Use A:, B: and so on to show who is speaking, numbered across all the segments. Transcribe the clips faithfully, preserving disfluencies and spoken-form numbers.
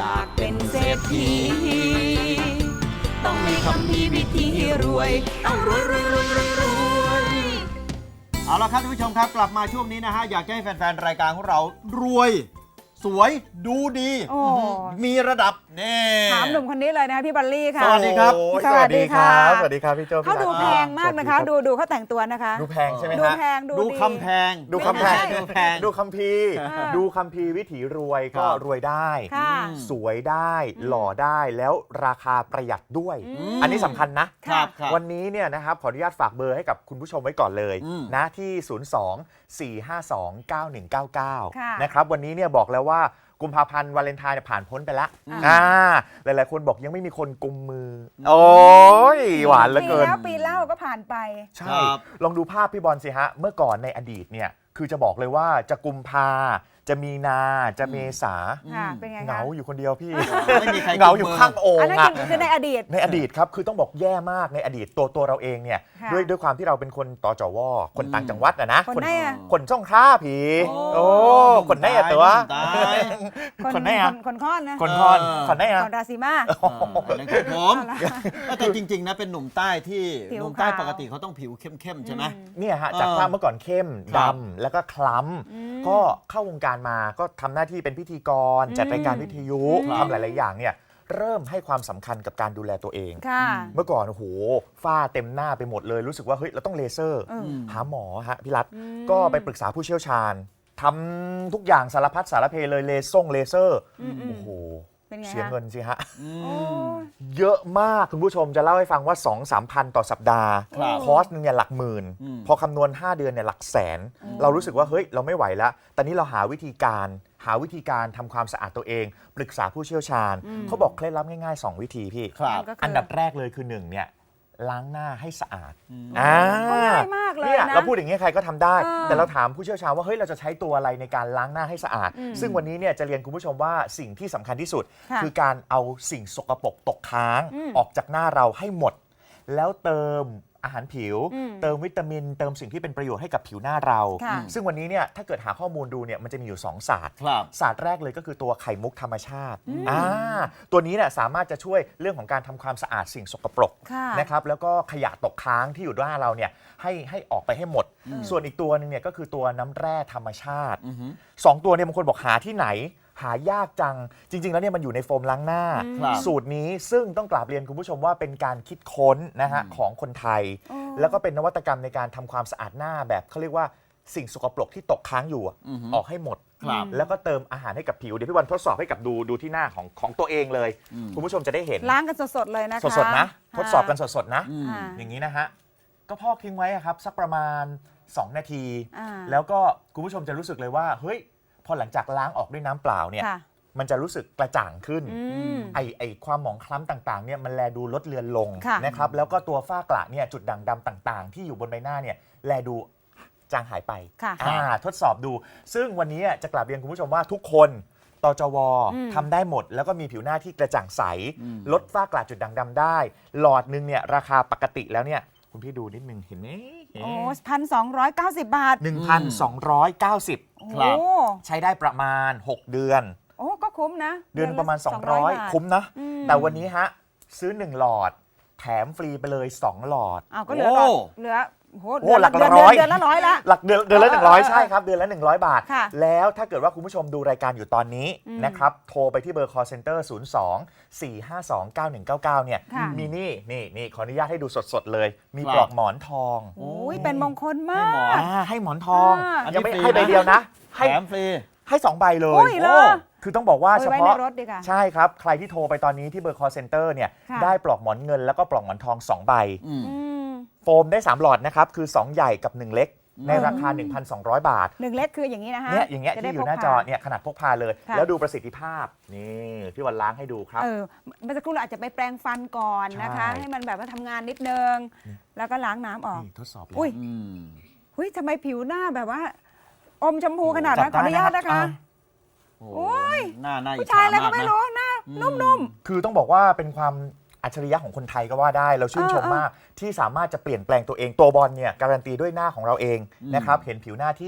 A: ากเป็นเศรษฐีต้องมีคำพีวิธีรวยต้องรวยรวยรวยรวยรวยเอาละครับท่านผู้ชมครับกลับมาช่วงนี้นะฮะอยากให้แฟนๆรายการของเรารวยสวยดูดีมีระดับแน่
B: ถามหนุ่มคนนี้เลยนะพี่บัลลี่ค่ะ
A: สวัสดีครับ
C: สวัสดีครับสวัสดีครับพี่โจ้
B: เขาดูแพงมากนะคะดูดูเขาแต่งตัวนะคะ
C: ดูแพงใช่ไหมฮะ
B: ดูแพง
A: ดูคำแพง
C: ดูคำแพงดูแพงดูคำพีดูคำพีวิถีรวยก็รวยได้สวยได้หล่อได้แล้วราคาประหยัดด้วยอันนี้สำคัญนะวันนี้เนี่ยนะครับขออนุญาตฝากเบอร์ให้กับคุณผู้ชมไว้ก่อนเลยนะที่ศูนย์ สอง สี่ ห้า สอง เก้า หนึ่ง เก้า เก้านะครับวันนี้เนี่ยบอกแล้วว่ากุมภาพันธ์วาเลนไทน์ผ่านพ้นไปแล้วอ่าหลายๆคนบอกยังไม่มีคนกุมมือโอ้ยหวานเหลือเกิน
B: ปีแล้วปีเล่าก็ผ่านไป
C: ใช่ลองดูภาพพี่บอลสิฮะเมื่อก่อนในอดีตเนี่ยคือจะบอกเลยว่าจะกุมภาจะมีนาจะเมษาเหงาอยู่คนเดียวพี่
A: ไม่มีใคร
C: เหงาอยู่ข้างโอ่งอ่ะ
B: คือในอดีต
C: ในอดีตครับคือต้องบอกแย่มากในอดีตตัวตัวเราเองเนี่ยด้วยด้วยความที่เราเป็นคนตจวคนต่างจังหวัดนะนะ
B: คน
C: คนช่องค้าผีโอ้คนไหนอะตัว
B: คนไหนอะคนค้อนนะ
C: คนค้อนคนไหนอะ
B: คนราศีมา
A: นั่นคือผมแต่จริงๆนะเป็นหนุ่มใต้ที่หนุ่มใต้ปกติเขาต้องผิวเข้มๆใช่ไหม
C: เนี่ยฮะจากภาพเมื่อก่อนเข้มดำแล้วก็คล้ำก็เข้าวงการมาก็ทำหน้าที่เป็นพิธีกรจัดรายการวิทยุทำหลายๆอย่างเนี่ยเริ่มให้ความสำคัญกับการดูแลตัวเองเมื่อก่อนโอ้โหฝ้าเต็มหน้าไปหมดเลยรู้สึกว่าเฮ้ยเราต้องเลเซอร์หาหมอฮะพี่รัฐก็ไปปรึกษาผู้เชี่ยวชาญทำทุกอย่างสารพัดสารเพเลยเลซ่งเลเซอร์โอ้โหเสียเงินสิฮะเยอะมากคุณผู้ชมจะเล่าให้ฟังว่า สองถึงสาม พันต่อสัปดาห์คอร์สนึงเนี่ยหลักหมื่นพอคำนวณห้าเดือนเนี่ยหลักแสนเรารู้สึกว่าเฮ้ยเราไม่ไหวแล้วตอนนี้เราหาวิธีการหาวิธีการทำความสะอาดตัวเองปรึกษาผู้เชี่ยวชาญเขาบอกเคล็ดลับง่ายๆสองวิธีพี่อันดับแรกเลยคือหนึ่งเนี่ยล้างหน้าให้สะอาด
B: อ่าง่ายมากเลยนะ
C: เราพูดอย่างนี้ใครก็ทำได้แต่เราถามผู้เชี่ยวชาญว่าเฮ้ยเราจะใช้ตัวอะไรในการล้างหน้าให้สะอาดซึ่งวันนี้เนี่ยจะเรียนคุณผู้ชมว่าสิ่งที่สำคัญที่สุดคือการเอาสิ่งสกปรกตกค้างออกจากหน้าเราให้หมดแล้วเติมอาหารผิวเติมวิตามินเติมสิ่งที่เป็นประโยชน์ให้กับผิวหน้าเราซึ่งวันนี้เนี่ยถ้าเกิดหาข้อมูลดูเนี่ยมันจะมีอยู่สองศาสตร์ศาสตร์แรกเลยก็คือตัวไข่มุกธรรมชาติอ่าตัวนี้เนี่ยสามารถจะช่วยเรื่องของการทำความสะอาดสิ่งสกปรกนะครับแล้วก็ขยะตกค้างที่อยู่ด้านเราเนี่ยให้ให้ออกไปให้หมดส่วนอีกตัวนึงเนี่ยก็คือตัวน้ำแร่ธรรมชาติสองตัวเนี่ยบางคนบอกหาที่ไหนหายากจังจริงๆแล้วเนี่ยมันอยู่ในโฟมล้างหน้าสูตรนี้ซึ่งต้องกราบเรียนคุณผู้ชมว่าเป็นการคิดค้นนะฮะของคนไทยแล้วก็เป็นนวัตกรรมในการทำความสะอาดหน้าแบบเขาเรียกว่าสิ่งสกปรกที่ตกค้างอยู่ออกให้หมดแล้วก็เติมอาหารให้กับผิวเดี๋ยวพี่วันทดสอบให้กับดูดูที่หน้าของของตัวเองเลยคุณผู้ชมจะได้เห็น
B: ล้างกันสดๆเลยนะคะ
C: สดๆนะทดสอบกันสดๆนะอย่างนี้นะฮะก็พอกทิ้งไว้ครับสักประมาณสองนาทีแล้วก็คุณผู้ชมจะรู้สึกเลยว่าเฮ้ยพอหลังจากล้างออกด้วยน้ำเปล่าเนี่ยมันจะรู้สึกกระจ่างขึ้นไอไอความหมองคล้ำต่างๆเนี่ยมันแลดูลดเลือนลงนะครับแล้วก็ตัวฝ้ากระเนี่ยจุดด่างดำต่างๆที่อยู่บนใบหน้าเนี่ยแลดูจางหายไปทดสอบดูซึ่งวันนี้จะกลับเรียนคุณผู้ชมว่าทุกคนตจวทำได้หมดแล้วก็มีผิวหน้าที่กระจ่างใสลดฝ้ากระจุดด่างดำได้หลอดนึงเนี่ยราคาปกติแล้วเนี่ยคุณพี่ดูนิดนึงเห็นไหม
B: โอ้พันสองร้อยเก้าสิบบาท
C: หนึ่งพันสองร้อยเก้าสิบ ครับใช้ได้ประมาณหกเดือน
B: โอ้ก็คุ้มนะ
C: เดือนประมาณสองร้อยคุ้มนะแต่วันนี้ฮะซื้อหนึ่งหลอดแถมฟรีไปเลยสองหลอด
B: อ้าวก็เหลือเหลือ
C: โอ้หลักร้อย
B: เดือนละร้อยละ
C: หลักเดือนเดือนละหนึ่งร้อยใช่ครับเดือนละหนึ่งร้อยบาทแล้วถ้าเกิดว่าคุณผู้ชมดูรายการอยู่ตอนนี้นะครับโทรไปที่เบอร์ call center ศูนย์ สอง สี่ ห้า สอง เก้า หนึ่ง เก้า เก้าเนี่ยมีนี่นี่นี่ขออนุญาตให้ดูสดๆเลยมีปลอกหมอนทอง
B: โอ้ยเป็นมงคลมาก
C: ให้หมอนทองยังไม่ให้ใบเดียวนะ
A: แถมฟรี
C: ให้สองใบเลยคือต้องบอกว่าเฉพาะใช่ครับใครที่โทรไปตอนนี้ที่เบอร์ call center เนี่ยได้ปลอกหมอนเงินแล้วก็ปลอกหมอนทองสองใบโฟมได้สามหลอดนะครับคือสองใหญ่กับหนึ่งเล็กในราคา หนึ่งพันสองร้อย บาท
B: หนึ่งเล็กคืออย่างนี้นะคะ
C: เนี่ยอย่างเงี้ยที่อยู่หน้าจอเนี่ยขนาดพกพาเลยแล้วดูประสิทธิภาพนี่พี่วันล้างให้ดูครับ
B: เออเมื่อสักครู่เราอาจจะไปแปรงฟันก่อนนะคะให้มันแบบว่าทำงานนิดนึงแล้วก็ล้างน้ำออก
C: ทดสอบ
B: อุ้ยอุ้ยทำไมผิวหน้าแบบว่าอมชมพูขนาดนั้นขออนุญาตนะคะโอ้ย
A: หน้าหน้า
B: ผู้ชายอะไรก็ไม่รู้หน้านุ่ม
C: ๆคือต้องบอกว่าเป็นความอัจฉริยะของคนไทยก็ว่าได้เราชื่นชมมากที่สามารถจะเปลี่ยนแปลงตัวเองตัวบอลเนี่ยการันตีด้วยหน้าของเราเองนะครับเห็นผิวหน้าที่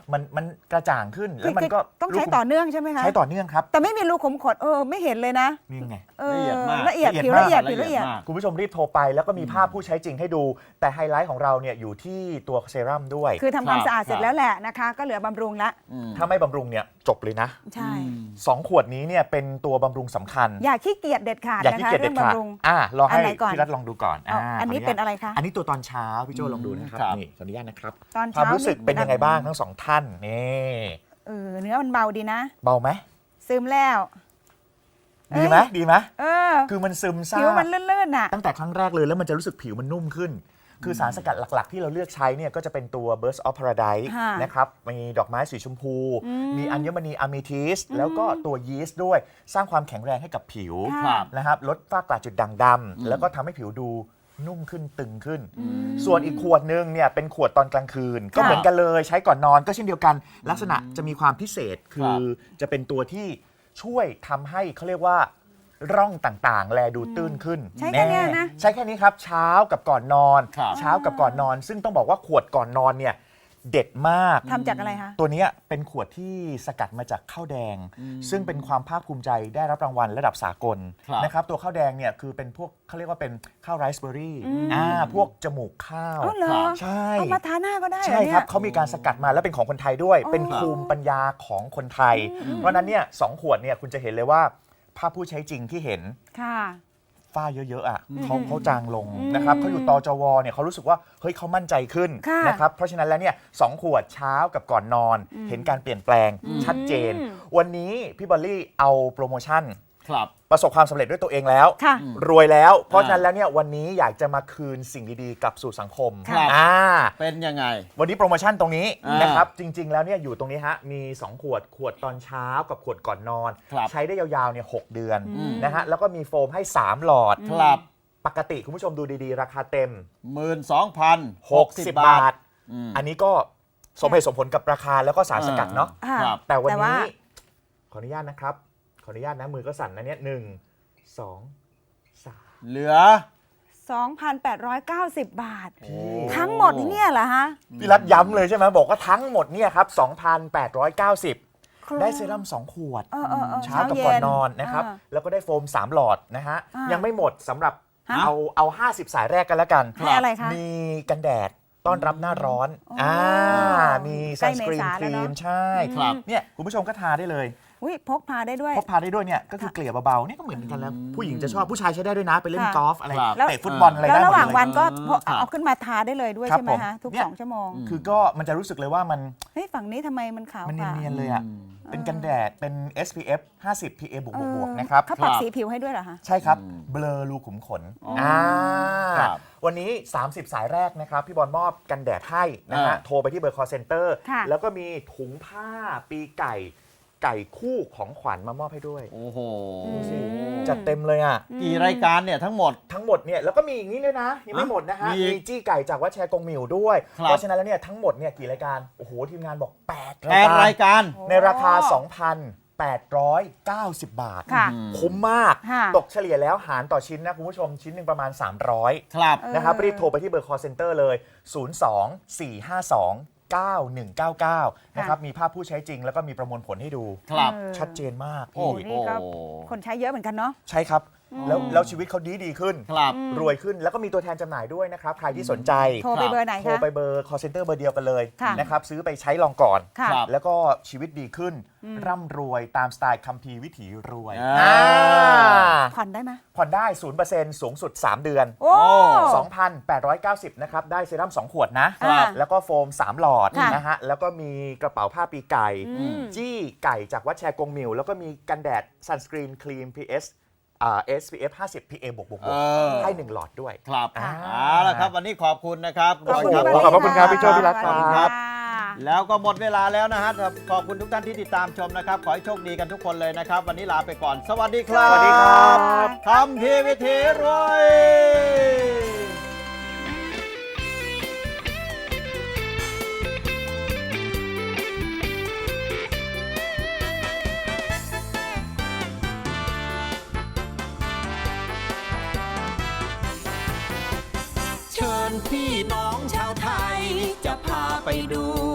C: มันมันกระจ่างขึ้นแล้วมันก็
B: ต้องใช้ต่อเนื่องใช่ไหมคะ
C: ใช้ต่อเนื่องครับ
B: แต่ไม่มีรูขุมขนเออไม่เห็นเลยนะ
C: นี่ไง
B: เออ
A: ละเอียดมาก
B: ละเอียด
C: ละเอียด
B: ผิว
C: มาก
B: ละเอียดผิวละเอียด
A: มาก
C: คุณผู้ชมรีบโทรไปแล้วก็มีภาพผู้ใช้จริงให้ดู แต่ไฮไลท์ของเราเนี่ยอยู่ที่ตัวเซรั่มด้วย
B: คือทำความ
A: ครับ
B: สะอาดเสร็จ
A: ครับ
B: แล้วแหละนะคะ ก็เหลือบำรุงละ
A: อืม
C: ถ้าไม่บำรุงเนี่ยจบเลยนะ
B: ใช่
C: สองขวดนี้เนี่ยเป็นตัวบำรุงสำคัญ
B: อย่าขี้เกียจเด็ดขาด
C: อย่า
B: นะ
C: ขี้
B: คะ
C: เกียจเด็
B: เรื่อ
C: ด
B: ง
C: ขาด
B: บำรุง
C: อ่ะลองให้
B: อันไหนก่อน
C: พี่รัฐลองดูก่อน
B: เอาอันนี้
C: ขญาต
B: เป็นอะไรคะ
C: อันนี้ตัวตอนเช้าพี่โจลองดูนะครับ
A: ครับ
C: นี่ขออนุญาตนะครับ
B: ตอน
C: ความ
B: เช้า
C: รู้สึกเป็นยังไงบ้างทั้งสองท่านนี่
B: เออเนื้อมันเบาดีนะ
C: เบาไหม
B: ซึมแล้ว
C: ดีไหมดีไหม
B: เออ
C: คือมันซึมซา
B: ผิว
C: บ
B: มันลื่นๆน่ะ
C: ตั้งแต่ครั้งแรกเลยแล้วมันจะรู้สึกผิวมันนุ่มขึ้น คือสารสกัดหลักๆ ที่เราเลือกใช้เนี่ยก็จะเป็นตัว Burst of Paradise
B: ค่ะ
C: นะครับมีดอกไม้สีชมพู
B: อืม
C: มีอัญมณีอะเมทิสแล้วก็ตัวยีสต์ด้วยสร้างความแข็งแรงให้กับผิว
B: ค่ะ
A: ครับ
C: นะครับลดฝ้ากระจุดด่างด
A: อืม
C: ำแล้วก็ทำให้ผิวดูนุ่มขึ้นตึงขึ้น ส่วนอีกขวดนึงเนี่ยเป็นขวดตอนกลางคืน ก็เหมือนกันเลยใช้ก่อนนอนก็เช่นเดียวกัน ลักษณะจะมีความพิเศษคือจะเป็นตัวที่ช่วยทำให้เขาเรียกว่าร่องต่างๆ แลดูตื้นขึ้น
B: ใช้แค่เนี้ยนะ
C: ใช้แค่นี้ครับเช้ากับก่อนนอน
A: ครับ
C: เช้ากับก่อนนอน ซึ่งต้องบอกว่าขวดก่อนนอนเนี่ยเด็ดมาก
B: ทำจากอะไรคะ
C: ตัวเนี้ยเป็นขวดที่สกัดมาจากข้าวแดง ซึ่งเป็นความภาคภูมิใจได้รับรางวัลระดับสากล
A: ครับ
C: นะครับตัวข้าวแดงเนี่ยคือเป็นพวกเขาเรียกว่าเป็นข้าวไรซ์เบอร์รี่
B: อืม
C: อ่าพวกจมูกข้าว
B: อ๋อเหรอ
C: ใช่
B: เอามาทาหน้าก็ได้เหร
C: ใช่
B: อเนี่
C: ครั
B: ย
C: บเขามีการสกัดมาแล้วเป็นของคนไทยด้วย
B: อ๋อ
C: เป็นภูมิปัญญาของคนไทย
B: อืม
C: เพราะฉะนั้นเนี่ยสองขวดเนี่ยคุณจะเห็นเลยว่าภาพผู้ใช้จริงที่เห็น
B: ค่ะ
C: ฝ้าเยอะๆอ่ะ
A: อืม
C: เขาเขาจางลง
B: อืม
C: นะครับเขาอยู่ตจวเนี่ยเขารู้สึกว่าเฮ้ยเขามั่นใจขึ้น
B: ค่ะ
C: นะครับเพราะฉะนั้นแล้วเนี่ยสองขวดเช้ากับก่อนนอน
B: อืม
C: เห็นการเปลี่ยนแปลง
B: อืม
C: ชัดเจน วันนี้พี่บอลลี่เอาโปรโมชั่น
A: ครับ
C: ประสบความสำเร็จด้วยตัวเองแล้ว
B: ค่ะ
A: อืม
C: รวยแล้ว เพราะฉะนั้นแล้วเนี่ยวันนี้อยากจะมาคืนสิ่งดีๆกลับสู่สังคม
A: ครับ
C: อ่า
A: เป็นยังไง
C: วันนี้โปรโมชั่นตรงนี้
A: อ่าน
C: นะครับจริง ๆ แล้วเนี่ยอยู่ตรงนี้ฮะมีสองขวดขวดตอนเช้ากับขวดก่อนนอน
A: ครับ
C: ใช้ได้ยาวๆเนี่ยหกเดือน
B: อืม
C: นะฮะแล้วก็มีโฟมให้สามหลอด
A: ครับ
C: ปกติคุณผู้ชมดูดีๆ ราคาเต็ม
A: หมื่นสองพันหกสิบ
C: 60
A: บา
C: บา
A: ท
C: ท
A: อืม
C: อันนี้ก็สมเหตุสมผลกับราคาแล้วก็สารสกัดเนาะ
B: ค่ะ
A: ครับ
C: แต่วัน
B: แต่ว่า
C: นี้ขออนุญาตนะครับ ขออนุญาตนะมือก็สั่นนะเนี่ยหนึ่งสองสาม
A: เหลือ
B: สองพันแปดร้อยเก้าสิบ บาท
A: โอ้
B: ทั้งหมดเนี่ยเหรอฮะ
C: พี่รัฐย้ำเลยใช่ไหมบอกว่าทั้งหมดเนี่ยครับสองพันแปดร้อยเก้าสิบ ได้เซรั่มสองขวด
B: เออเออเออ
C: เช้ากับก่อนนอนนะครับ
B: อ่า
C: แล้วก็ได้โฟมสามหลอดนะฮะ
B: อ่ายั
C: ยังไม่หมดสำหรับ
B: ฮะ
C: เอาเอาห้าสิบสายแรกกันแล้วกัน
B: ให้อะไรคะ
C: มีกันแดดต้อนรับหน้าร้อน
B: อ๋ออ่
C: อ่ามี
B: ใกล้
C: ซันสกรีน
B: เมษา
C: ค
B: แล้ว
C: รี
B: เนอะ
C: มใช่
A: ครับ
C: เนี่ยคุณผู้ชมก็ทาได้เลย
B: อุ้ยพกพาได้ด้วย
C: พกพาได้ด้วยเนี่ยก็คือเกลี่ยเบาๆเนี่ยก็เหมือนกันแล้ว ผู้หญิงจะชอบผู้ชายใช้ได้ด้วยนะ ไปเล่น
B: ค่ะ
C: กอล์ฟอะไร
A: ครับ
C: เตะฟุตบอลอะไร
B: แล้ว
C: ได้หม
B: ระ
C: ด
B: หว่าง
C: เลย
B: วันก็พก
A: ครับ
B: เอาขึ้นมาทาได้เลยด้วย
C: ครับ
B: ใช่ไหม
C: ผม
B: คะทุก
C: เนี่ย
B: สองชั่วโมง
C: คือก็มันจะรู้สึกเลยว่ามัน
B: เฮ้ยฝั่งนี้ทำไมมันขาว
C: มัน
B: กว่า
C: เนียนๆเลยอ่ะ
A: อืม
C: เป็นกันแดดเป็น เอส พี เอฟ ห้าสิบ พี เอ บวก
B: เออบ
C: วกๆนะครับ
B: เขาปรับ
A: ครับ
B: สีผิวให้ด้วยเหรอคะ
C: ใช่ครับ
A: อืม
C: เบลอรูขุมขน
A: อ๋ออ่
C: อ่า
A: ครับ
C: วันนี้ สามสิบ สายแรกนะครับ พี่บอลมอบกันแดดให้นะฮะ
A: อ่า
C: โทรไปที่เบอร์ call center
B: ค่ะ
C: แล้วก็มีถุงผ้าปีไก่ไก่คู่ของขวัญมามอบให้ด้วย
A: โอ้โห
B: ดูสิ
C: จัดเต็มเลยอ่ะ
A: กี่รายการเนี่ยทั้งหมด
C: ทั้งหมดเนี่ยแล้วก็มีอย่างนี้ด้วยนะ ยังไม่หมดนะฮะ
A: มี
C: มีจี้ไก่จากวัดแชร์กงหมิวด้วย
A: ครับ
C: เพราะฉะนั้นแล้วเนี่ยทั้งหมดเนี่ยกี่รายการ โอ้โห ทีมงานบอก แปด
A: แปดรายการ
C: ในราคา สองพันแปดร้อยเก้าสิบ บาท
B: ค่ะ
A: อืม
C: คุ้มมาก
B: ค่ะ
C: ตกเฉลี่ยแล้วหารต่อชิ้นนะคุณผู้ชมชิ้นหนึ่งประมาณ สามร้อย
A: ครับ
B: เออ
C: นะครับรีบโทรไปที่เบอร์ call center เลย ศูนย์ สอง สี่ ห้า สอง เก้า หนึ่ง เก้า เก้า นะครับมีภาพผู้ใช้จริงแล้วก็มีประมวลผลให้ดู
A: ครับ
B: เออ
C: ชัดเจนมาก
A: โอ้
C: พี่
B: นี่ก็
A: โอ้
B: คนใช้เยอะเหมือนกันเนาะ
C: ใช่ครับ แล้วแล้วชีวิตเขาดีดีขึ้น
A: ครับ
C: รวยขึ้นแล้วก็มีตัวแทนจำหน่ายด้วยนะครับ ใครที่สนใจ
B: โทรไปเบอร์ไหน
C: โทร
B: คะ
C: ไปเบอร์ call center เบอร์เดียวกันเลย
B: ค่ะ
C: นะครับซื้อไปใช้ลองก่อน
B: ค่ะ
A: ครับ
C: แล้วก็ชีวิตดีขึ้น
B: อืม
C: ร่ำรวยตามสไตล์คัมภีร์วิถีรวย
A: อ่า
C: อ่า
B: ผ่อนได้ไหม
C: ผ่อนได้ ศูนย์เปอร์เซ็นต์ สูงสุด สาม เดือน
B: โอ้
C: สองพันแปดร้อยเก้าสิบ นะครับ ได้เซรั่มสอง ขวดนะ
B: ครับ
C: แล้วก็โฟม สาม หลอด
B: ค่ะ
C: นะฮะ แล้วก็มีกระเป๋าผ้าปีไก่
B: อืม
C: จี้ไก่จากวัดแชร์กงหมิว แล้วก็มีกันแดดซันสกรีนครีม พี เอส อ่า เอส พี เอฟ ห้าสิบ พี เอ บวกบวก
A: เออ
C: ให้หนึ่งหลอดด้วย
A: ครับ
C: อ่า
A: เอาละครับ วันนี้ขอบคุณนะครับ
C: โอ้โห
A: ครับ
C: ขอบพระคุณครับพี่โจ้พี่รัตน์
B: สวัสดี
A: ครับ
B: ค่ะ
A: แล้วก็หมดเวลาแล้วนะฮะขอบคุณทุกท่านที่ติดตามชมนะครับ ขอให้โชคดีกันทุกคนเลยนะครับ วันนี้ลาไปก่อน สวัสดีครับ
C: สวัสดีครับ
A: คำพีร์วิถีรวย
D: เชิญพี่น้องชาวไทย จะพาไปดู